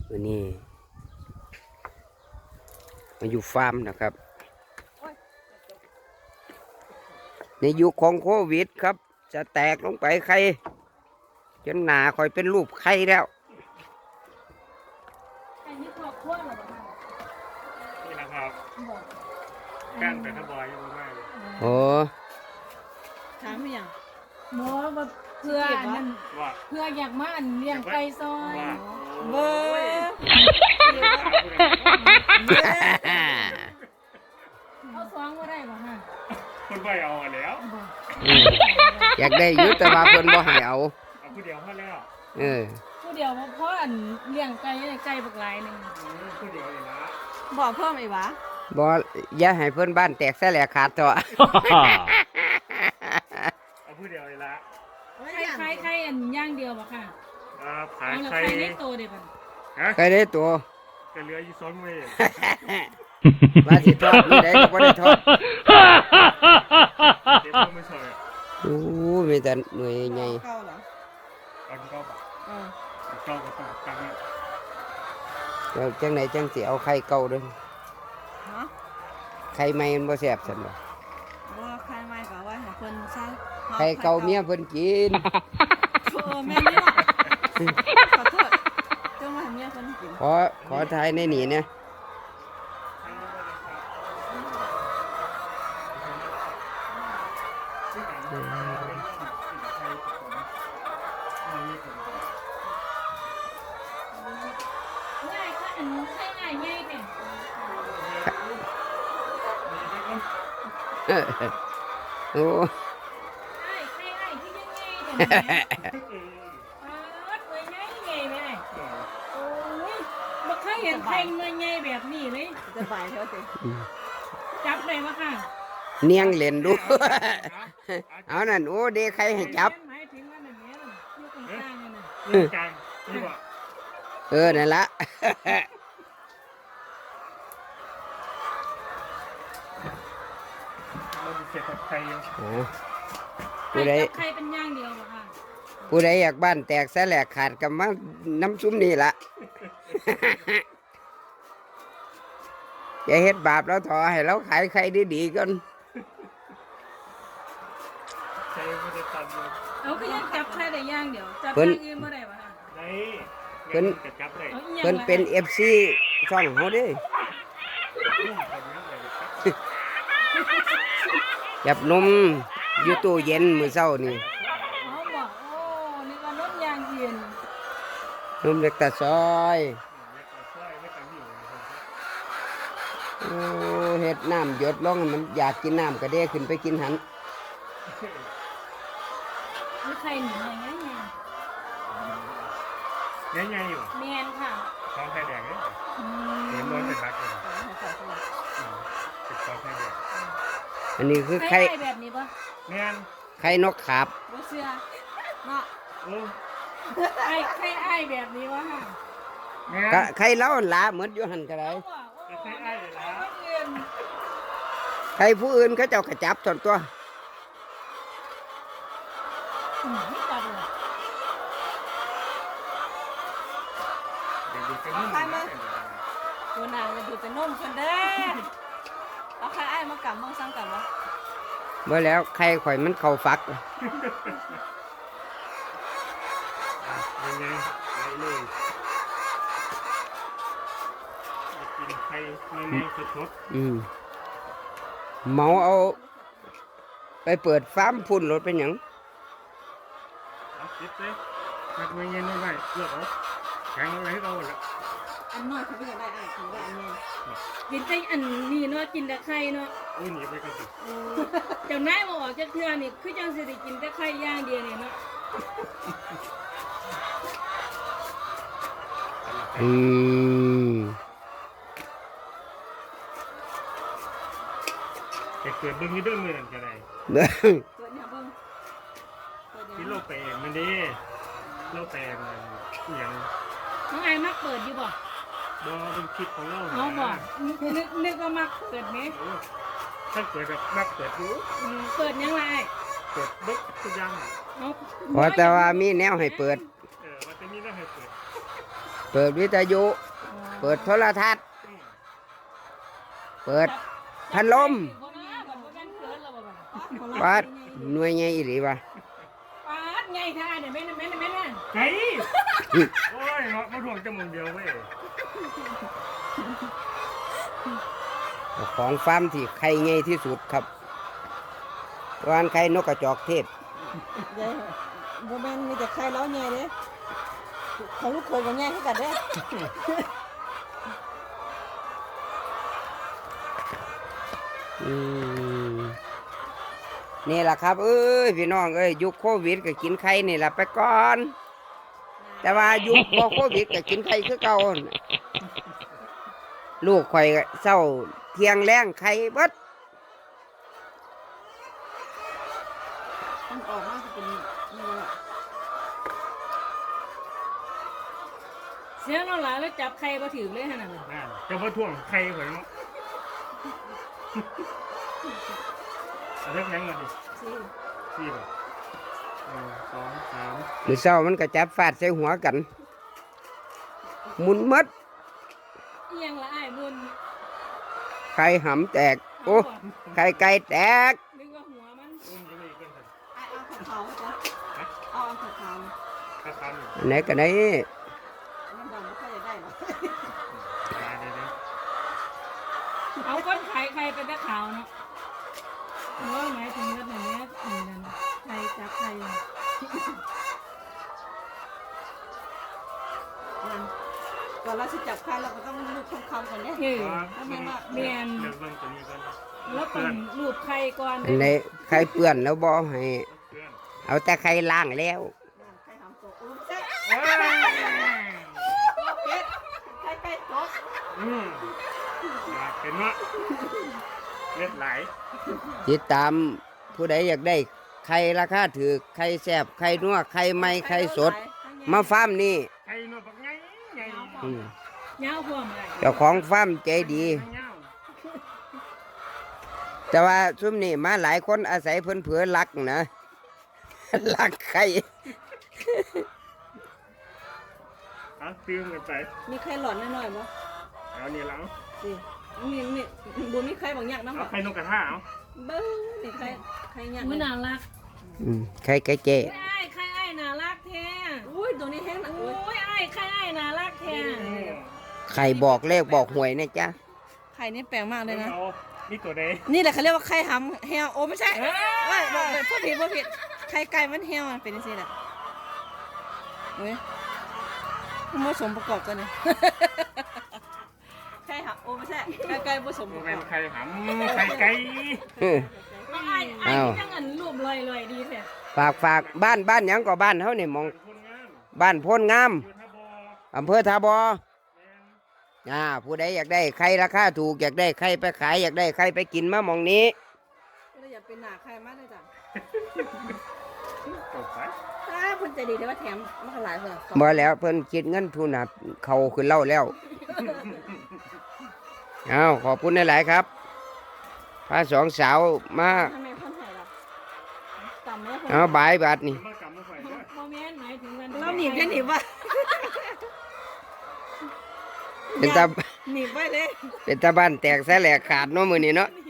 วันนี้มาอยู่ฟาร์มนะครับในยุคของโควิดครับจะแตกลงไปไข่จนหนาคอยเป็นรูปไข่แล้วอันนี้ครอบครัวเหรอคะนี่แหละครับกั้นแต่ถ้าบอยยังไม่เลยโอ้ถามไม่ยังหมอแบบเพื่อนั่นเพื่ออยากมาอันเลี้ยงไก่ซอยเบอร์เอาซองมาได้ป่ะฮะคนไปเอาแล้วอยากได้ยุติว่าเพิ่นบ่ให้เอาผู้เดียวพอแล้วผู้เดียวเพราะอันเลี้ยงไก่ไก่บักหลายนึงผู้เดียวเลยนะบอกเพิ่มอีกวะบ่อย่าให้เพิ่นบ้านแตกแสลกขาดเถอะเอาผู้เดียวเลยละไข่อันย่างเดียวป่ะค่ะขายไข่ได้โตเด็ดป่ะไข่ได้ตัวก็เหลืออยู่2 มื้อว่าสิทอดมื้อใดก็บ่ได้ทอดเดี๋ยวไม่ใช่โอ้มีแต่หน่วยใหญ่เก่าเหรออันเก่าป่ะเก่าก็ต้องตั้งแล้วจังไหนจังสิเอาไข่เก่าเด้อไข่ใหม่มันบ่แซ่บซั่นบ่ไข่ใหม่ก็ไว้ให้เพิ่นซะไข่เก่าเมียเพิ่นกินแม่นี่ล่ะขอโทษเจ้ามาให้เมียเพิ่นกินขอทายในนี่นะโอ้เห็นไข่เมื่อไงแบบนี้เลยจะบายเท่าสิจับเลยมั้งค่ะเนียงเล่นดูเอานั่นโอ้เด็กใครให้จับนั่นละผู้ใดใครเป็นย่างเดียวค่ะผู้ใดอยากบ้านแตกแสลกขาดกับมาน้ำซุ้มนี่ละอย่าเฮ็ดบาปแล้วถอให้เราขายใครดีๆก่อนเอาก็ยังจับใครได้ย่างเดียวจับย่างอื่นเมื่อไรวะเพิ่นเป็น FC ช่องเฮาเด้จับนมอยู่ตู้เย็นมื้อเช้านี่เขาบอกโอ้นี่ก็นมย่างเย็นนมเล็กตาซอยโอ้เฮ็ดน้ำหยดลงมันอยากกินน้ำก็เด้ขึ้นไปกินหันมีใครหนีไงไงอยู่แมนค่ะท้องไข่แดงเนี่ยเห็นมันเป็นรักเลยเป็นท้องไข่แดงอันนี้คือไข่แบบนี้ปะแมนไข่นกขาบบ่เชื่อเนาะไข่แบบนี้วะค่ะไข่เล้าหลาเหมือนอยู่หันก็ได้ไข่ไอ้เลยละไข่ผู้อื่นเขาเจ้ากระจับส่วนตัวเอาใครมาตัวนางมาดูแต่นมคนเด้เอาใครไอ้มากำมองซ้ำกันวะเมื่อแล้วไข่ข่อยมันเข้าฟักยังไงไข่เลยกินไข่ไม่สดเมาเอาไปเปิดฟาร์มพุ่นรถเป็นหยังคิดเลยนักเงี้ยน้อยไปเลือกเอาแข็งอะไรให้เราละอันน้อยเขาไม่อยากได้กินได้อันนี้กินแต่อันนี้เนาะกินแต่ไข่เนาะโอ้ยหนีไปกันสิเจ้านายบอกจะเทื่อนี่คือจังสิได้กินแต่ไข่ย่างเดียวนี่เนาะเกิดเบิ้งนี่เบิ้งเลยนั่นก็ได้เกิดเนี่ยเบิ้งที่โลกแปลงมันดีโลกแปลงมันอย่างน้องไอ้มักเปิดอยู่บ่เป็นคลิปของเราเขาบอกนึกว่ามักเปิดไหมถ้าเปิดแบบมักเปิดรู้เปิดยังไงเปิดบึ๊กทุกอย่างเพราะแต่ว่ามีแนวให้เปิดว่าจะมีแนวให้เปิดเปิปิดวิทยุ เปิดโทรทัศน์ เปิดพัดลมวัดหน่วยใหญ่อีหลีวะปาดไงท่าเนี่ยแม่นไก่โอ้ยมาถ่วงจมูกเดียวเว้ยของฟาร์มที่ไข่ใหญ่ที่สุดครับวานไข่นกกระจอกเทศยายบ่แม่นมีแต่ใครเล้าแง่เด้เขาลูกเคยก็แง่ให้กันเด้อืมนี่แหละครับ เอ้ยพี่น้องเอ้ยยุคโควิดก็กินไข่นี่แหละไปก่อน แต่ว่ายุคบ่โควิดก็กินไข่คือเก่าลูกข่อยก็เศร้าเที่ยงแรงไข่เบิดมันออกมาสิเป็นนี่แหละเสียน้องหลานแล้วจับใครมาถือเลยขนาดนั้นนั่นจะมาถ่วงไข่ข่อยเนาะเอาเล็กยังมาดิสิ 4บ่1 2 3 มื้อเช้ามันก็จับฟาดใส่หัวกันหมุนหมดเอียงละอ้ายบุญไข่หำแตกโอ้ไข่ไก่แตกนึกว่าหัวมันอุ้มจะไม่เกินไอ้เอาขาวๆจ้ะเอาขาวถ้าทำอันไหนก็ไหนๆมันดำบ่ค่อยได้หรอกเดี๋ยวเอาก้นไข่ใครเป็นตะขาวเนาะว่าหมายถึงว่าแบบนี้นั่นใครจับใครนั่นก่อนเราสิจับใครเราก็ต้องลูกคำๆก่อนเด้เฮ้ยเดี๋ยวเบิ่งตัวนี้ก่อนแล้วต้องรูปใครก่อนอันไหนไข่เปื้อนแล้วบ่ให้เพื่อนเอาแต่ไข่ล้างแล้วนั่นใครทำตกอุ้มแซ่บเอ้ยเป็ดใครไก่ตกอยากเป็นว่าเลือดไหลติดตามผู้ใดอยากได้ไข่ราคาถือไข่แซ่บไข่นัวไข่ใหม่ไข่สด มาฟาร์มนี่ไข่นวดบักไงไงอืมเงาพวงอะไรเจ้าของฟาร์มใจดีเงาแต่ว่าซุมนี่มาหลายคนอาศัยเพิ่นเผือลักนะ ลักไข่เอาตื้มกันไปมีใครหลอนน้อยๆบ่เอานี่แล้วสิมีบ่มีใครบางอย่างนำเอาบ่ไข่นกกระทาเอาเบิ่งนี่ใครอย่างอุ้ยน่ารักอืมไข่ไก่เจไอ้ใครไอ้น่ารักแท้อุ้ยตัวนี้แห้งนะโอ้ยไอ้ใครไอ้น่ารักแท้ไข่บอกเลขบอกหวยนะจ๊ะไข่นี่แปลงมากเลยนะเอานี่ตัวใดนี่แหละเขาเรียกว่าไข่หำแฮวโอ้ไม่ใช่เอ้ยบอกพูดผิดไข่ไก่มันแฮวมันเป็นจังซี่แหละเว้ยมันผสมประกอบกันเนี่ยไข่หำโอ้ไม่ใช่ไก่ผสมประกเป็อน บไข่หำไข่ไก่เออไอ้ที่จังเงินรูปลอยๆดีแท้ฝากบ้านหยังก็บ้านเฮานี่หมองคนงามบ้านโพนงามอยู่ท่าบออำเภอทาบอแมนผู้ใดอยากได้ไข่ราคาถูกอยากได้ไข่ไปขายอยากได้ไข่ไปกินมาหมองนี้ก็เลยอยากเป็นหนาไข่มากเลยจ้ะจบไปเพิ่นใจดีแต่ว่าแถมมันก็หลายเพิ่นบ่แล้วเพิ่นคิดเงินทุนน่ะเขาขึ้นเล่าแล้ว เอาขอบคุณหลายๆครับพาสองสาวมาทำไมเพิ่นให้ล่ะต่ำไหมเพิ่นเอาบายบาทนี่มากำมาไฟด้วยโมเมนต์หมายถึงวันเราหนีบแค่หนีบว่าเป็นตาหนีบไว้เลยเป็นตาบ้านแตกแสแหลกขาดเนาะมื้อนี้เนาะหนี